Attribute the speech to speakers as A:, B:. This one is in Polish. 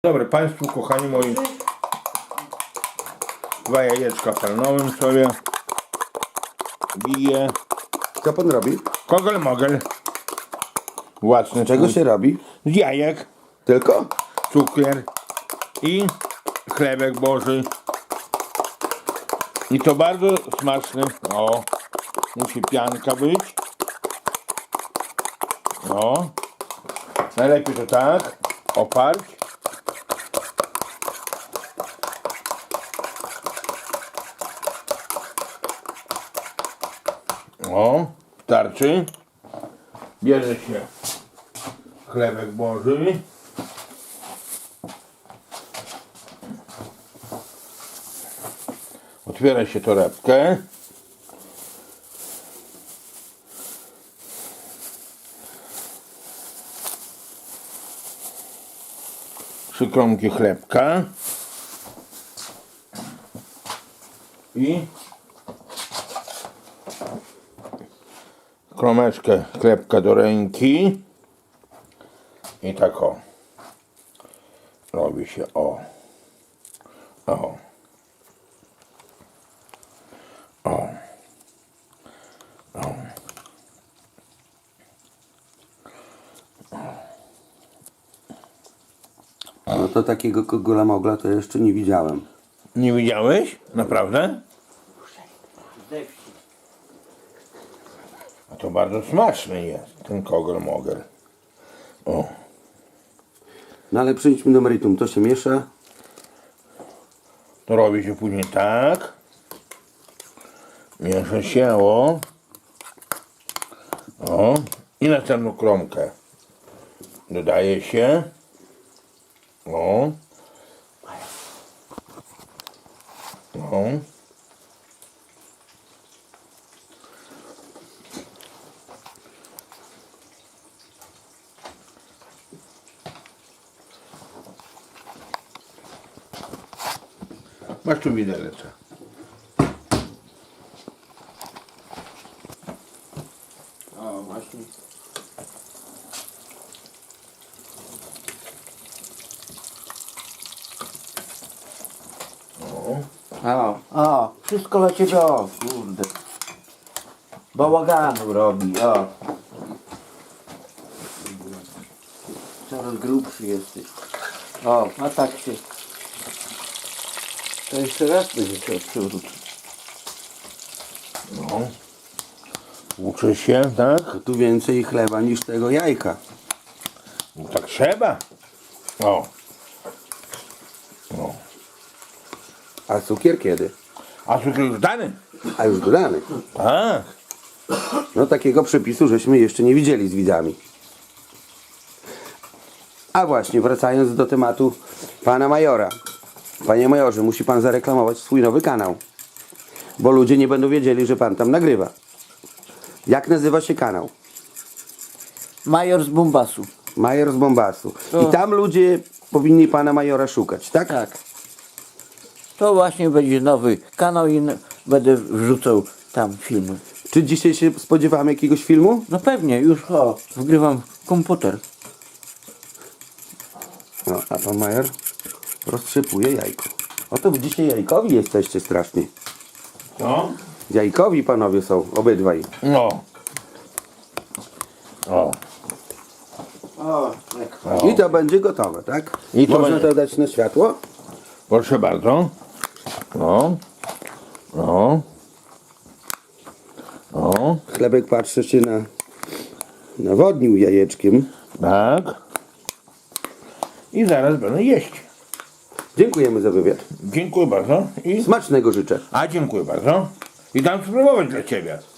A: Dobry Państwu, kochani moi, dwa jajeczka palnąłem sobie, biję.
B: Co pan robi?
A: Kogel mogel. Własny.
B: Czego się robi?
A: Z jajek,
B: Tylko?
A: cukier i chlebek boży. I to bardzo smaczny. O, musi pianka być. O, najlepiej to tak, oparć. O, starczy. Bierze się chlebek boży. Otwiera się torebkę. Trzy kromki chlebka. I kromeczkę chlebka do ręki i tak o robi się o o o o
B: No to takiego kogola mogla to jeszcze nie widziałem.
A: Nie widziałeś? Naprawdę? A to bardzo smaczny jest ten kogel mogel. O,
B: No ale przejdźmy do meritum. To się miesza.
A: to robi się później tak. Miesza się o. O. I następną kromkę dodaje się. O. O. Masz tu widelce.
B: O, właśnie. O, wszystko dla ciebie, o, kurde. Bałaganu robi, o. Coraz grubszy jesteś. O, a tak się. To jeszcze raz będzie się przewrócić.
A: No. Uczy się, tak?
B: To tu więcej chleba niż tego jajka.
A: No tak trzeba. O. No.
B: A cukier kiedy?
A: A cukier już dany?
B: A już dodany.
A: Tak.
B: No takiego przepisu żeśmy jeszcze nie widzieli z widzami. A właśnie, wracając do tematu pana majora. Panie majorze, musi pan zareklamować swój nowy kanał. Bo ludzie nie będą wiedzieli, że pan tam nagrywa. Jak nazywa się kanał?
C: Major z Bombasu.
B: Major z Bombasu.
C: To-
B: I tam ludzie powinni pana majora szukać, tak?
C: Tak. To właśnie będzie nowy kanał i będę wrzucał tam filmy.
B: Czy dzisiaj się spodziewamy jakiegoś filmu?
C: No pewnie, już wgrywam komputer.
B: No, a pan major roztrzepuje jajko. Oto dzisiaj jajkowi jesteście strasznie.
A: No.
B: Jajkowi panowie są, obydwaj.
A: No. O.
B: I to będzie gotowe, tak?
A: I to
B: Można
A: będzie-
B: to dać na światło?
A: Proszę bardzo. No. No. No.
B: Chlebek patrzy się nawodnił jajeczkiem.
A: Tak. I zaraz będę jeść.
B: Dziękujemy za wywiad.
A: Dziękuję bardzo. I...
B: Smacznego życzę.
A: A dziękuję bardzo. I dam spróbować dla Ciebie.